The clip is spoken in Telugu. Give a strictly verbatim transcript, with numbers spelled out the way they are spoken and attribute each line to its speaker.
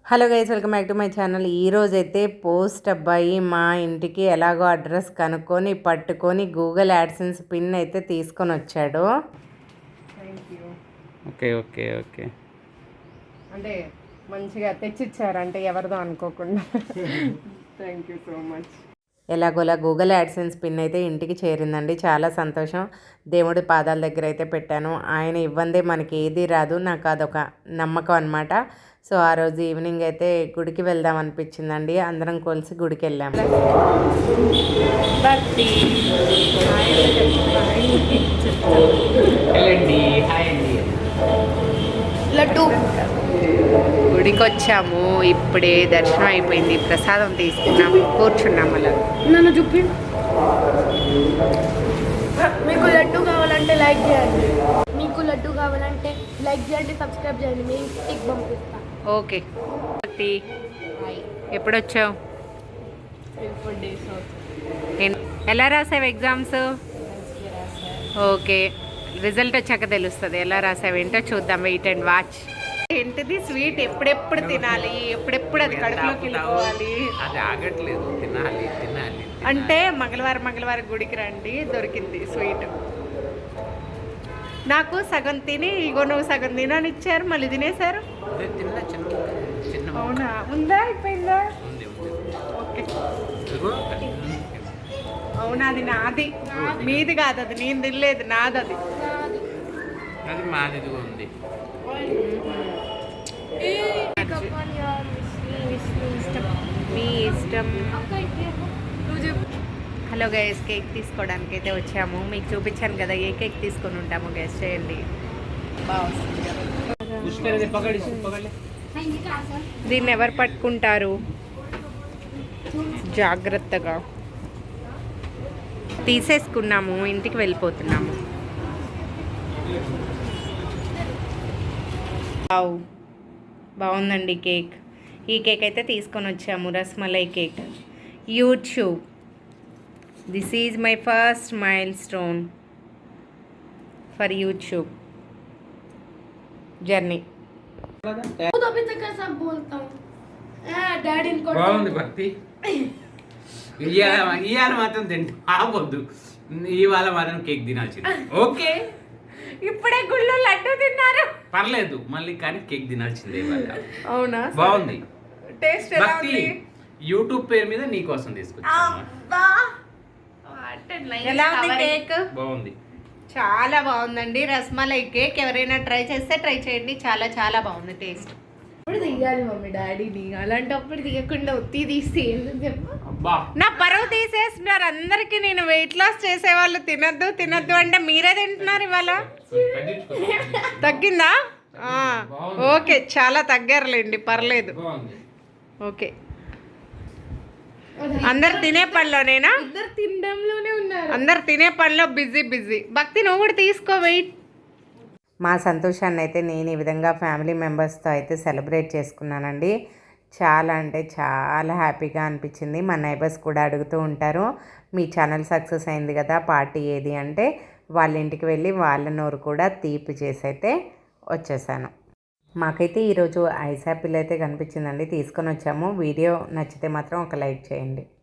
Speaker 1: Hello guys, welcome back to my channel. ఈరోజైతే పోస్ట్ అబ్బాయి మా ఇంటికి ఎలాగో అడ్రస్ కనుక్కొని పట్టుకొని గూగుల్ యాడ్సెన్స్ పిన్ అయితే తీసుకొని వచ్చాడు.
Speaker 2: Thank you.
Speaker 3: Okay okay okay
Speaker 2: అంటే మంచిగా తెచ్చిచ్చారు, అంటే ఎవరిదో అనుకోకుండా. Thank you so much.
Speaker 1: ఎలాగోలా గూగుల్ యాడ్సెన్స్ పిన్ అయితే ఇంటికి చేరిందండి. చాలా సంతోషం. దేవుడి పాదాల దగ్గర అయితే పెట్టాను. ఆయన ఇవ్వందే మనకి ఏది రాదు, నాకు అదొక నమ్మకం అనమాట. సో ఆ రోజు ఈవినింగ్ అయితే గుడికి వెళ్దాం అనిపించిందండి. అందరం కలిసి గుడికి వెళ్ళాము.
Speaker 2: లడ్డు గుడికి వచ్చాము, ఇప్పుడే దర్శనం అయిపోయింది, ప్రసాదం తీసుకున్నాము, కూర్చున్నాము. అలా
Speaker 4: నన్ను చూపి. మీకు లడ్డు కావాలంటే లైక్ చేయండి, మీకు లడ్డు కావాలంటే లైక్ చేయండి, సబ్స్క్రైబ్ చేయండి, మీ ఇంటికి పంపిస్తా.
Speaker 2: ఓకే. ఎప్పుడు వచ్చావు? ఎలా రాసావు ఎగ్జామ్స్? ఓకే, రిజల్ట్ వచ్చాక తెలుస్తుంది ఎలా రాసావు ఏంటో. చూద్దాం, వెయిట్ అండ్ వాచ్. ఏంటిది స్వీట్? ఎప్పుడెప్పుడు తినాలి, ఎప్పుడెప్పుడు అది కడుపులోకి వెళ్ళిపోవాలి.
Speaker 3: అది ఆగట్లేదు, తినాలి తినాలి.
Speaker 2: అంటే మంగళవారం మంగళవారం గుడికి రండి, దొరికింది స్వీట్. నాకు సగం తిని ఇగో నువ్వు సగం తినని ఇచ్చారు, మళ్ళీ తినేశారు. అవునా? ఉందా? అయిపోయిందా? ఓకే. అవునా? అది నాది, మీది కాదు. అది నేను తినలేదు, నాది. అది
Speaker 3: అది మాది ఉంది. మీ ఇష్టం. హలో గైస్, కేక్ తీసుకోవడానికి అయితే వచ్చాము. మీకు చూపించాను కదా ఏ కేక్ తీసుకొని ఉంటాము, గైస్ చేయండి. దీన్ని ఎవరు పట్టుకుంటారు? జాగ్రత్తగా తీసేసుకున్నాము, ఇంటికి వెళ్ళిపోతున్నాము. బాగుందండి కేక్. ఈ కేక్ అయితే తీసుకొని వచ్చాము, rasmalai cake. YouTube, this is my first milestone for YouTube journey. బాగుంది భక్తి. ఇవాళ ఇవాళ మాత్రం తింటే ఆగొద్దు, ఇవాళ మాత్రం కేక్ తినాల్సింది. ఓకే,
Speaker 2: ఇప్పుడే గుళ్ళు లడ్డు తిన్నారు,
Speaker 3: పర్లేదు మళ్ళీ, కానీ కేక్ తినాల్సిందే.
Speaker 2: అవునా?
Speaker 3: బాగుంది.
Speaker 2: టేస్ట్
Speaker 3: భక్తి యూట్యూబ్ పేరు మీద నీ కోసం తీసుకొచ్చా.
Speaker 2: ఎలా ఉంది కేక్?
Speaker 3: బాగుంది,
Speaker 2: చాలా బాగుందండి. రస్మలై కేక్ ఎవరైనా ట్రై చేస్తే ట్రై చేయండి, చాలా చాలా బాగుంది టేస్ట్. ఇప్పుడు తీయాలి మమ్మీ డాడీని, అలాంటప్పుడు తీయకుండా ఒత్తి తీసి చెప్పు. నా పరువు తీసేస్తున్నారు అందరికి. నేను వెయిట్ లాస్ చేసే వాళ్ళు తినద్దు తినద్దు అంటే మీరే తింటున్నారు. ఇవాళ తగ్గిందా? ఓకే, చాలా తగ్గారులేండి, పర్లేదు. ఓకే, అందరు తినే పనిలోనేనా? తినడంలోనే ఉన్నారు, అందరు తినే పనిలో బిజీ బిజీ. భక్తి నువ్వు కూడా తీసుకో, వెయిట్.
Speaker 1: మా సంతోషాన్ని అయితే నేను ఈ విధంగా ఫ్యామిలీ మెంబర్స్తో అయితే సెలబ్రేట్ చేసుకున్నానండి. చాలా అంటే చాలా హ్యాపీగా అనిపించింది. మా నైబర్స్ కూడా అడుగుతూ ఉంటారు, మీ ఛానల్ సక్సెస్ అయింది కదా, పార్టీ ఏది అంటే వాళ్ళ ఇంటికి వెళ్ళి వాళ్ళ నోరు కూడా తీపి చేసి అయితే వచ్చేసాను. మాకైతే ఈరోజు ఐస్ యాపిల్ అయితే కనిపించిందండి, తీసుకొని వచ్చాము. వీడియో నచ్చితే మాత్రం ఒక లైక్ చేయండి.